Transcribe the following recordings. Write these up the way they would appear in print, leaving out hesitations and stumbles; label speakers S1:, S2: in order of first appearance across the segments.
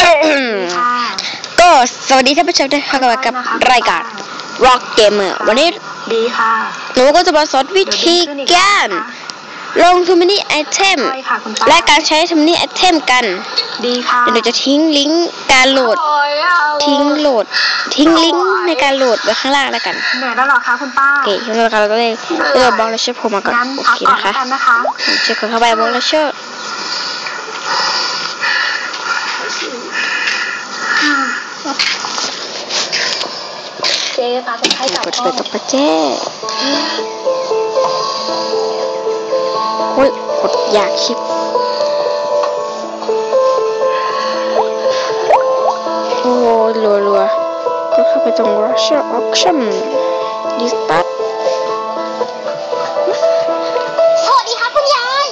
S1: ก็สวัสดีท่านผู้ชมด้วยค่ะกับรายการ Rock Gamer วันนี้
S2: ดีค่ะ
S1: หนูก็จะมาสอนวิธีการลงทูมินิไอเทมและการใช้ทูมินิไอเทมกัน
S2: ดีค่ะ
S1: เดี๋ยวหนูจะทิ้งลิงก์การโหลดทิ้งลิงก์ในการโหลดไว้ข้างล่างแล้วกัน
S2: เหนื่อยแล้วหรอคะคุณป้า
S1: โอเคงั้นเราก็เลยเริ่มบล็อกเลเชอร์ผมมาก่อนโอเคนะคะเช็คเข้าไปบล็อกเลเชอร์
S2: เจ๊ตาเป็นไข้กับพ่อ
S1: กับเจ๊โอ้ยกดอยากคลิปโอ้รัวก็เข้าไปตรง Russia Auction Restart
S3: สวัสดีค่ะคุณยาย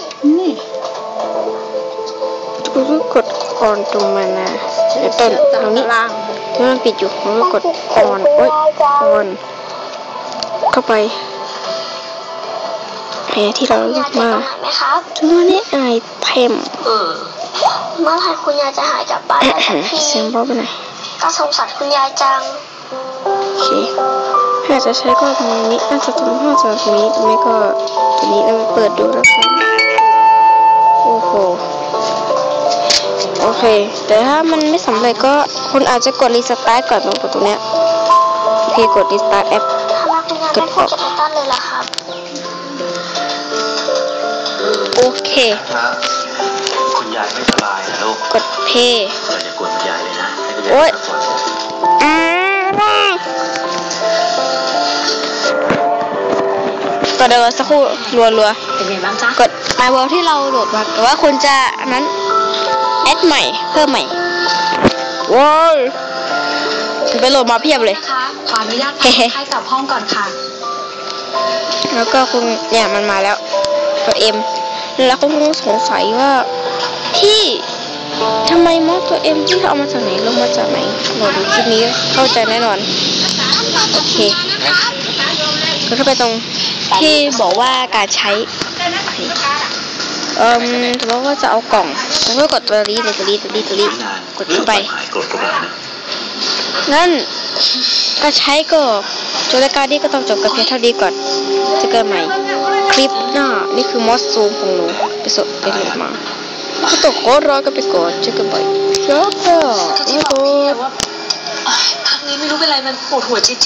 S1: ก็กดออนตรงมานะไอ้ต้นตรงนี้ที่มันปิดอยู่ก็กดออนโอ้ยออนเข้าไปไอ้ที่เราเลือกมาทุกวันนี้ไอเทม
S3: เมื่อไหร่คุณยายจะหายกลับบ้านได้สักที
S1: เสียงเบาไปหน่อย
S3: ก็สงสารคุณยายจัง
S1: โอเคถ้าจะใช้ก็ตรงนี้น่าจะตรงห้องจากนี้ไม่ก็ตัวนี้เราเปิดดูแล้วกันโอ้โหโอเคแต่ถ้ามันไม่สำเร็จก็คุณอาจจะกดรีสตาร์ทก่อนตรงเนี้ยโอเคกดรีสตาร์ทแอป
S3: กดออกจากต้นเลยล่ะครับ
S1: โอเค
S4: คุณยายไม่สบายนะลูก
S1: กดเพย์
S4: อย่ากวนคุณยายเลยนะโอ๊ย
S1: ก็เดี๋ยวสักครู่รัว
S2: เป็นไงบ้างจ๊ะ
S1: กด My World ที่เราโหลดมาแต่ว่าคุณจะอันนั้นแอดใหม่เพิ่มใหม่ว้าวไปโหลดมาเพียบเลย
S2: นะคะขออนุญาตให้กลับห้องก่อนค่ะ
S1: แล้วก็คุณเนี่ยมันมาแล้วตัวเอ็มแล้วคุณคงสงสัยว่าพี่ทำไมมอสตัวเอ็มที่เขาเอามาจากไหนลงมาจากไหนโหลดคลิปนี้เข้าใจแน่นอนโอเคก็เข้าไปตรงที่บอกว่าการใช้สมมติว่าจะเอากล่องผมก็กดตัวนี้กดเข้าไปงั้นก็ใช้ก็จบรายการนี้ก็ต้องจบกับเพียงเท่านี้ก่อนจะเกิดใหม่คลิปหน้านี่คือมอสซูมของหนูไปโหลดมาก็ต้องกดรอกันไปก่อนเจอกันใหม่แล้วก็
S2: ที่บอกพี่ว่าพักนี้ไม่รู้เป็นไรมันปวดหัวจี๊ด